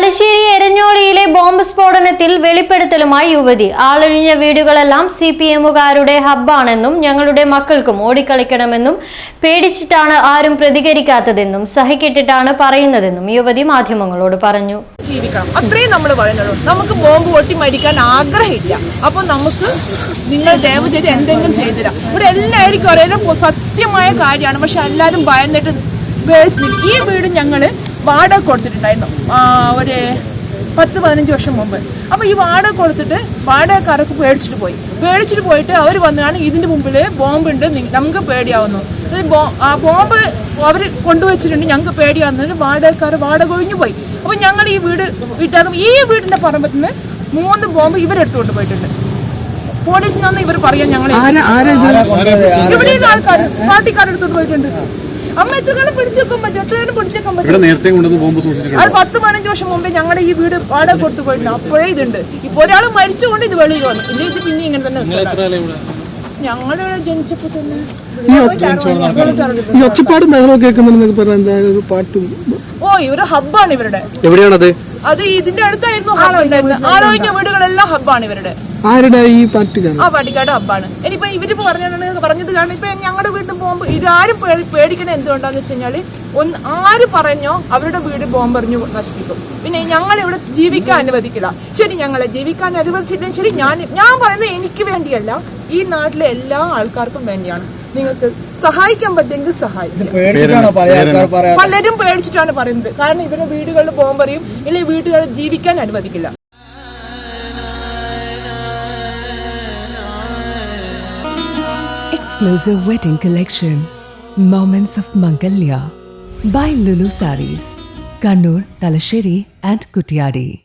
Thalassery എരഞ്ഞോളിയിലെ bomb സ്ഫോടനത്തിൽ വെളിപ്പെടുത്തലുമായി യുവതി. ആളൊഴിഞ്ഞ വീടുകളെല്ലാം CPM-കാരുടെ ഹബ്ബാണെന്നും ഞങ്ങളുടെ മക്കൾക്കും ഓടിക്കളിക്കണമെന്നും പേടിച്ചിട്ടാണ് ആരും പ്രതികരിക്കാത്തതെന്നും സഹിക്കെട്ടിട്ടാണ് പറയുന്നതെന്നും യുവതി മാധ്യമങ്ങളോട് പറഞ്ഞു. ജീവിക്കണം അത്രയും നമ്മൾ പറയുന്നുള്ളൂ. നമുക്ക് ബോംബ് പൊട്ടി മരിക്കാൻ ആഗ്രഹമില്ല. അപ്പൊ നമുക്ക് നിങ്ങൾ ദയവ് ചെയ്ത് എന്തെങ്കിലും ചെയ്തിരാം. ഇവിടെ എല്ലാവർക്കും അറിയാം സത്യമായ കാര്യമാണ്. പക്ഷെ എല്ലാവരും ഭയന്നിട്ട് ഈ വീട് ഞങ്ങള് വാടക കൊടുത്തിട്ടുണ്ടായിരുന്നു ഒരു 10-15 വർഷം മുമ്പ്. അപ്പൊ ഈ വാടക കൊടുത്തിട്ട് വാടകക്കാരൊക്കെ പേടിച്ചിട്ട് പോയിട്ട് അവർ വന്നാണ് ഇതിന്റെ മുമ്പില് ബോംബുണ്ട്, നമുക്ക് പേടിയാവുന്നു. ബോംബ് അവർ കൊണ്ടുവച്ചിട്ടുണ്ട്, ഞങ്ങൾക്ക് പേടിയാവുന്നതിന് വാടക ഒഴിഞ്ഞു പോയി. അപ്പൊ ഞങ്ങൾ ഈ വീട് വീട്ടാകും ഈ വീടിന്റെ പറമ്പത്ത് നിന്ന് 3 ബോംബ് ഇവരെടുത്തുകൊണ്ട് പോയിട്ടുണ്ട്. പോലീസിനൊന്നും ഇവർ പറയാൻ ഞങ്ങൾ ഇവിടെ ആൾക്കാർ പാർട്ടിക്കാരെടുത്തോണ്ട് പോയിട്ടുണ്ട്. അമ്മ എത്രകാലം പിടിച്ചേക്കാൻ പറ്റും? എത്രകാലം പിടിച്ചേക്കാൻ പറ്റും? 10-15 വർഷം മുമ്പേ ഞങ്ങളുടെ ഈ വീട് വാടക കൊടുത്തു പോയിട്ടുണ്ട്. അപ്പോഴേ ഇതുണ്ട്. ഇപ്പൊ ഒരാൾ മരിച്ചുകൊണ്ട് ഇത് വെളിയിൽ വന്നു. ഇല്ല, ഇത് പിന്നെ ഇങ്ങനെ തന്നെ ഞങ്ങള് ജനിച്ചപ്പോ തന്നെ ഒരു ഹബ്ബാണ് ഇവരുടെ. എവിടെയാണത്? അത് ഇതിന്റെ അടുത്തായിരുന്നു ആളൊഴിഞ്ഞ വീടുകളെല്ലാം ഹബ്ബാണ് ഇവരുടെ. ആരുടെ? ഈ പാർട്ടിക്കാരുടെ ഹബ്ബാണ്. ഇനിയിപ്പോ ഇവര് പറഞ്ഞത് കാരണം ഇപ്പൊ ഞങ്ങളുടെ വീട്ടിൽ ബോംബ് ഇതാരും പേടിക്കണ എന്തുകൊണ്ടാന്ന് വെച്ച് കഴിഞ്ഞാല് ആര് പറഞ്ഞോ അവരുടെ വീട് ബോംബെറിഞ്ഞു നശിപ്പിക്കും. പിന്നെ ഞങ്ങൾ ഇവിടെ ജീവിക്കാൻ അനുവദിക്കില്ല. ശരി, ഞങ്ങളെ ജീവിക്കാൻ അനുവദിച്ചിട്ടും ശരി, ഞാൻ പറയുന്നത് എനിക്ക് വേണ്ടിയല്ല, ഈ നാട്ടിലെ എല്ലാ ആൾക്കാർക്കും വേണ്ടിയാണ്. നിങ്ങൾക്ക് സഹായിക്കാൻ പറ്റുമെങ്കിൽ സഹായിക്കും. പലരും പേടിച്ചിട്ടാണ് പറയുന്നത്. കാരണം ഇവരുടെ വീടുകളിൽ ബോംബെറിയും, ഇല്ലെങ്കിൽ വീടുകളിൽ ജീവിക്കാൻ അനുവദിക്കില്ല. Exclusive wedding collection, Moments of Mangalya by Lulu Sarees, Kannur, Talasheri and Kuttiyadi.